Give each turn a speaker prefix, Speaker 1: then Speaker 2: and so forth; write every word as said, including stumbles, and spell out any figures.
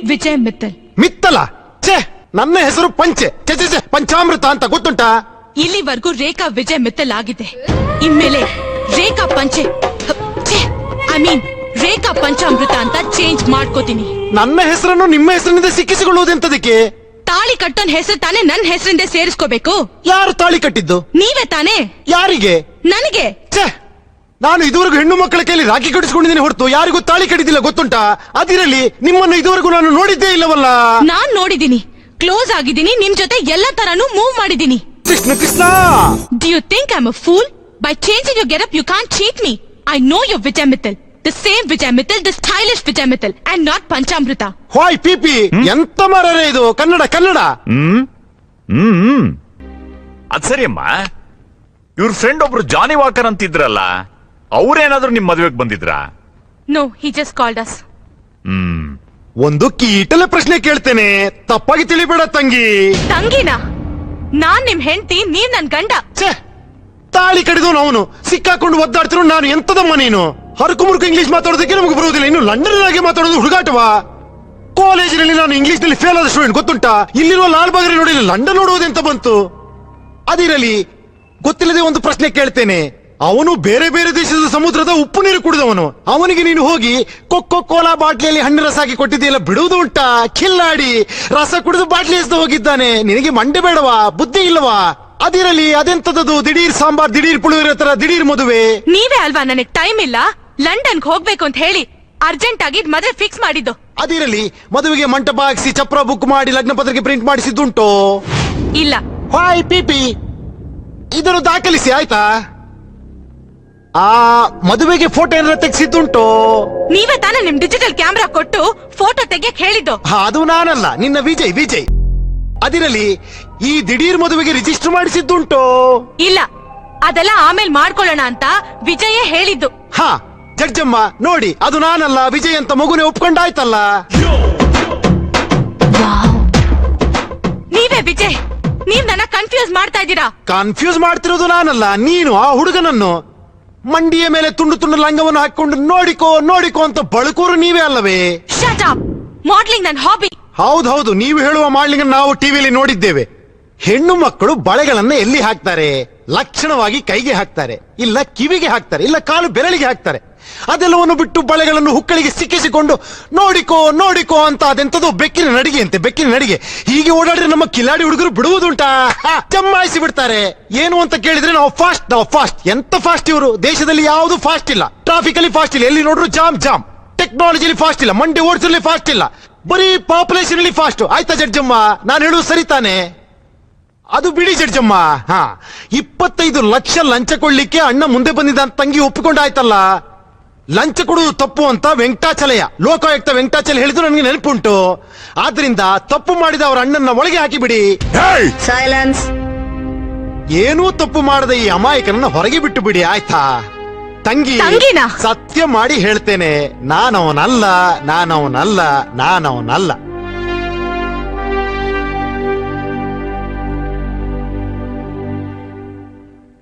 Speaker 1: ವಿಜಯ್ ಮಿತ್ತಲ್.
Speaker 2: ಮಿತ್ತಲ? ಛೇ, ನನ್ನ ಹೆಸರು ಪಂಚೆ. ಛೇ ಛೇ ಛೇ, ಪಂಚಾಮೃತ ಅಂತ ಗೊತ್ತುಂಟಾ?
Speaker 1: ಇಲ್ಲಿವರೆಗೂ ರೇಖಾ ವಿಜಯ್ ಮಿತ್ತಲ್ ಆಗಿದೆ. ಇನ್ಮೇಲೆ ರೇಖಾ ಪಂಚೆ ಐ ಮೀನ್ ರೇಖಾ ಪಂಚಾಮೃತ ಅಂತ ಚೇಂಜ್ ಮಾಡ್ಕೋತೀನಿ.
Speaker 2: ನನ್ನ ಹೆಸರನ್ನು ನಿಮ್ಮ ಹೆಸರಿನಿಂದ ಸಿಕ್ಕಿಸಿಕೊಳ್ಳುವುದೆಂತದಕ್ಕೆ?
Speaker 1: ತಾಳಿ ಕಟ್ಟೋನ್ ಹೆಸರು ತಾನೇ ನನ್ನ ಹೆಸರಿಂದ ಸೇರಿಸ್ಕೋಬೇಕು.
Speaker 2: ಯಾರು ತಾಳಿ ಕಟ್ಟಿದ್ದು?
Speaker 1: ನೀವೇ ತಾನೇ.
Speaker 2: ಯಾರಿಗೆ?
Speaker 1: ನನಗೆ.
Speaker 2: ಛೇ, ನಾನು ಇದುವರೆಗೂ ಹೆಣ್ಣು ಮಕ್ಕಳ ಕೈಲಿ ರಾಖಿ ಕಟ್ಟಿಸ್ಕೊಂಡಿದ್ದೀನಿ ಹೊರತು ಯಾರಿಗೂ ತಾಳಿ ಕಟ್ಟಿದ್ದಿಲ್ಲ, ಗೊತ್ತುಂಟಾ? ಅದಿರಲಿ, ನಿಮ್ಮನ್ನು ಇದುವರೆಗೂ ನಾನು ನೋಡಿದ್ದೇ ಇಲ್ಲವಲ್ಲ.
Speaker 1: ನಾನ್ ನೋಡಿದೀನಿ, ಕ್ಲೋಸ್ ಆಗಿದ್ದೀನಿ, ನಿಮ್ ಜೊತೆ ಎಲ್ಲ ತರಾನು ಮೂವ್ ಮಾಡಿದೀನಿ.
Speaker 2: Krishna Krishna,
Speaker 1: Do you think I'm a fool? By changing your getup, you can't cheat me. I know you're Vijay Mittal. The same Vijay Mittal, the stylish Vijay Mittal, and not Panchamrita.
Speaker 2: Hi PP, ಎಂತ ಮರರೇ ಇದು? ಕನ್ನಡ ಕನ್ನಡ.
Speaker 3: ಹ್ಮ್ ಹ್ಮ್ ಅದ್ ಸರಿ ಅಮ್ಮ, ಇವ್ರ friend ಒಬ್ರು ಜಾನಿ walker ಅಂತಿದ್ರಲ್ಲ, ಅವ್ರೇನಾದ್ರೂ ನಿಮ್ ಮದ್ವೆಗ್ ಬಂದಿದ್ರಾ?
Speaker 1: No, he just called us.
Speaker 3: ಹ್ಮ್
Speaker 2: ಒಂದು ಕೀಟಲೆ ಪ್ರಶ್ನೆ ಕೇಳ್ತೇನೆ, ತಪ್ಪಾಗಿ ತಿಳಿಬೇಡ ತಂಗಿ.
Speaker 1: ತಂಗಿನ? ನಾನ್ ನಿಮ್ ಹೆಂಡತಿ, ನೀವ್ ನನ್ ಗಂಡ.
Speaker 2: ಛೇ, ತಾಳಿ ಕಡಿದವನು ಅವನು, ಸಿಕ್ಕಾಕೊಂಡು ಒದ್ದಾಡ್ತಿರೋ ನಾನು. ಎಂತದಮ್ಮ ನೀನು? ಹರಕು ಮುರುಕು ಇಂಗ್ಲಿಷ್ ಮಾತಾಡೋದಕ್ಕೆ ನಮಗೆ ಬರುವುದಿಲ್ಲ, ಇನ್ನು ಲಂಡನ್ ಆಗಿ ಮಾತಾಡೋದು ಹುಡುಗಾಟವಾ? ಕಾಲೇಜಿನಲ್ಲಿ ನಾನು ಇಂಗ್ಲಿಷ್ ನಲ್ಲಿ ಫೇಲ್ ಆದ ಸ್ಟೂಡೆಂಟ್, ಗೊತ್ತುಂಟಾ? ಇಲ್ಲಿರುವ ಲಾಲ್ ಬಾಗರಿ ನೋಡಿ ಲಂಡನ್ ನೋಡುವುದೆಂತ ಬಂತು? ಅದಿರಲಿ, ಗೊತ್ತಿಲ್ಲದೆ ಒಂದು ಪ್ರಶ್ನೆ ಕೇಳ್ತೇನೆ. ಅವನು ಬೇರೆ ಬೇರೆ ದೇಶದ ಸಮುದ್ರದ ಉಪ್ಪು ನೀರು ಕುಡಿದವನು. ಅವನಿಗೆ ನೀನು ಹೋಗಿ ಕೊಕ್ಕೋ ಕೋಲಾ ಬಾಟ್ಲಿಯಲ್ಲಿ ಹಣ್ಣು ರಸ ಹಾಕಿ ಕೊಟ್ಟಿದೆಯಲ್ಲ, ಬಿಡುವುದು ಉಂಟಾ? ಕಿಲ್ಲಾಡಿ ರಸ ಕುಡಿದು ಬಾಟ್ಲಿ ಎಸ್ದು ಹೋಗಿದ್ದಾನೆ. ನಿನಗೆ ಮಂಡೆ ಬೇಡವಾ? ಬುದ್ಧಿ ಇಲ್ಲವಾ? ಅದಿರಲಿ, ಅದೆಂತದದು ದಿಢೀರ್ ಸಾಂಬಾರ್, ದಿಢೀರ್ ಪುಳಿಯೋಗರೆ ತರ ದಿಢೀರ್ ಮದುವೆ?
Speaker 1: ನೀವೇ ಅಲ್ವಾ ನನಗ್ ಟೈಮ್ ಇಲ್ಲ, ಲಂಡನ್ಗೆ ಹೋಗ್ಬೇಕು ಅಂತ ಹೇಳಿ ಅರ್ಜೆಂಟ್ ಆಗಿ ಮದುವೆ ಫಿಕ್ಸ್ ಮಾಡಿದ್ದು.
Speaker 2: ಅದಿರಲಿ, ಮದುವೆಗೆ ಮಂಟಪ ಹಾಕಿಸಿ ಚಪ್ರ ಬುಕ್ ಮಾಡಿ ಲಗ್ನ ಪತ್ರಿಕೆ ಪ್ರಿಂಟ್ ಮಾಡಿಸಿದ್ದುಂಟು?
Speaker 1: ಇಲ್ಲ.
Speaker 2: ಹಾಯ್ ಪಿಪಿ, ಇದನ್ನು ದಾಖಲಿಸಿ ಆಯ್ತಾ? ಆ ಮದುವೆಗೆ ಫೋಟೋ ಏನಾರ ತೆಗೆಸಿದ್ದುಂಟು?
Speaker 1: ನೀವೇ ತಾನೇ ನಿಮ್ ಡಿಜಿಟಲ್ ಕ್ಯಾಮ್ರಾ ಕೊಟ್ಟು ಫೋಟೋ ತೆಗಿಯಕ್ ಹೇಳಿದ್ದು.
Speaker 2: ಅದು ನಾನಲ್ಲ, ನಿನ್ನ ವಿಜಯ್ ವಿಜಯ್. ಅದಿರಲಿ, ಈ ದಿಢೀರ್ ಮದುವೆಗೆ ರಿಜಿಸ್ಟರ್ ಮಾಡಿಸಿದ್ದುಂಟು?
Speaker 1: ಇಲ್ಲ, ಅದೆಲ್ಲ ಆಮೇಲೆ ಮಾಡ್ಕೊಳ್ಳೋಣ ಅಂತ ವಿಜಯೇ ಹೇಳಿದ್ದು.
Speaker 2: ಹಾ, ಜಡ್ಜಮ್ಮ ನೋಡಿ, ಅದು ನಾನಲ್ಲ, ವಿಜಯ್ ಅಂತ ಮಗುನೇ ಒಪ್ಕೊಂಡಾಯ್ತಲ್ಲ.
Speaker 1: ನೀವೇ ವಿಜಯ್, ನೀವ್ ನನ್ನ ಕನ್ಫ್ಯೂಸ್ ಮಾಡ್ತಾ ಇದ್ದೀರಾ.
Speaker 2: ಕನ್ಫ್ಯೂಸ್ ಮಾಡ್ತಿರೋದು ನಾನಲ್ಲ, ನೀನು ಆ ಹುಡುಗನನ್ನು. ಮಂಡಿಯ ಮೇಲೆ ತುಂಡು ತುಂಡು ಲಂಗವನ್ನು ಹಾಕೊಂಡು ನೋಡಿಕೋ ನೋಡಿಕೋ ಅಂತ ಬಳುಕೋರು ನೀವೇ ಅಲ್ಲವೇ?
Speaker 1: Shut up. ಮಾಡ್ಲಿಂಗ್ ನನ್ ಹಾಬಿ.
Speaker 2: ಹೌದೌದು, ನೀವು ಹೇಳುವ ಮಾಡ್ಲಿಂಗ್ ನಾವು ಟಿವಿಯಲ್ಲಿ ನೋಡಿದ್ದೇವೆ. ಹೆಣ್ಣು ಮಕ್ಕಳು ಬಳೆಗಳನ್ನ ಎಲ್ಲಿ ಹಾಕ್ತಾರೆ? ಲಕ್ಷಣವಾಗಿ ಕೈಗೆ ಹಾಕ್ತಾರೆ, ಇಲ್ಲ ಕಿವಿಗೆ ಹಾಕ್ತಾರೆ, ಇಲ್ಲ ಕಾಲು ಬೆರಳಿಗೆ ಹಾಕ್ತಾರೆ. ಅದೆಲ್ಲವನ್ನು ಬಿಟ್ಟು ಬಳೆಗಳನ್ನು ಹುಕ್ಕಳಿಗೆ ಸಿಕ್ಕಿಸಿಕೊಂಡು ನೋಡಿಕೋ ನೋಡಿಕೋ ಅಂತ, ಅದೆಂತದೋ ಬೆಕ್ಕಿನ ನಡಿಗೆ ಅಂತೆ, ಬೆಕ್ಕಿನ ನಡಿಗೆ. ಹೀಗೆ ಓಡಾಡಿದ್ರೆ ನಮ್ಮ ಕಿಲಾಡಿ ಹುಡುಗರು ಬಿಡುವುದುಂಟಾ? ಜಮಾಯಿಸಿ ಬಿಡ್ತಾರೆ. ಏನು ಅಂತ ಕೇಳಿದ್ರೆ ನಾವು ಫಾಸ್ಟ್, ನಾವು ಫಾಸ್ಟ್. ಎಂತ ಫಾಸ್ಟ್ ಇವರು? ದೇಶದಲ್ಲಿ ಯಾವುದು ಫಾಸ್ಟ್ ಇಲ್ಲ. ಟ್ರಾಫಿಕ್ ಅಲ್ಲಿ ಫಾಸ್ಟ್ ಇಲ್ಲ, ಎಲ್ಲಿ ನೋಡ್ರು ಜಾಮ್ ಜಾಮ್. ಟೆಕ್ನಾಲಜಿಲಿ ಫಾಸ್ಟ್ ಇಲ್ಲ, ಮಂಡಿ ಓಡಿಸಲಿ ಫಾಸ್ಟ್ ಇಲ್ಲ, ಬರೀ ಪಾಪ್ಯುಲೇಷನ್ ಅಲ್ಲಿ ಫಾಸ್ಟ್. ಆಯ್ತಾ ಜಡ್ಜಮ್ಮ, ನಾನು ಹೇಳುದು ಸರಿ ತಾನೆ? ಅದು ಬಿಡಿ ಜಡ್ಜಮ್ಮ. ಹಾ, ಇಪ್ಪತ್ತೈದು ಲಕ್ಷ ಲಂಚ ಕೊಡ್ಲಿಕ್ಕೆ ಅಣ್ಣ ಮುಂದೆ ಬಂದಿದ್ದ ಅಂತ ತಂಗಿ ಒಪ್ಪಿಕೊಂಡಾಯ್ತಲ್ಲ. ಲಂಚ ಕೊಡುವುದು ತಪ್ಪು ಅಂತ ವೆಂಕಟಾಚಲಯ, ಲೋಕಾಯುಕ್ತ ವೆಂಕಟಾಚಲ ಹೇಳಿದ್ರು ನನಗೆ ನೆನಪುಂಟು. ಆದ್ರಿಂದ ತಪ್ಪು ಮಾಡಿದ ಅವರ ಅಣ್ಣನ ಒಳಗೆ ಹಾಕಿಬಿಡಿ.
Speaker 4: ಸೈಲೆನ್ಸ್.
Speaker 2: ಏನೂ ತಪ್ಪು ಮಾಡದ ಈ ಅಮಾಯಕನನ್ನ ಹೊರಗೆ ಬಿಟ್ಟು ಬಿಡಿ, ಆಯ್ತಾ? ತಂಗಿ,
Speaker 1: ತಂಗಿನಾ?
Speaker 2: ಸತ್ಯ ಮಾಡಿ ಹೇಳ್ತೇನೆ, ನಾನವನಲ್ಲ, ನಾನವನಲ್ಲ, ನಾನವನಲ್ಲ.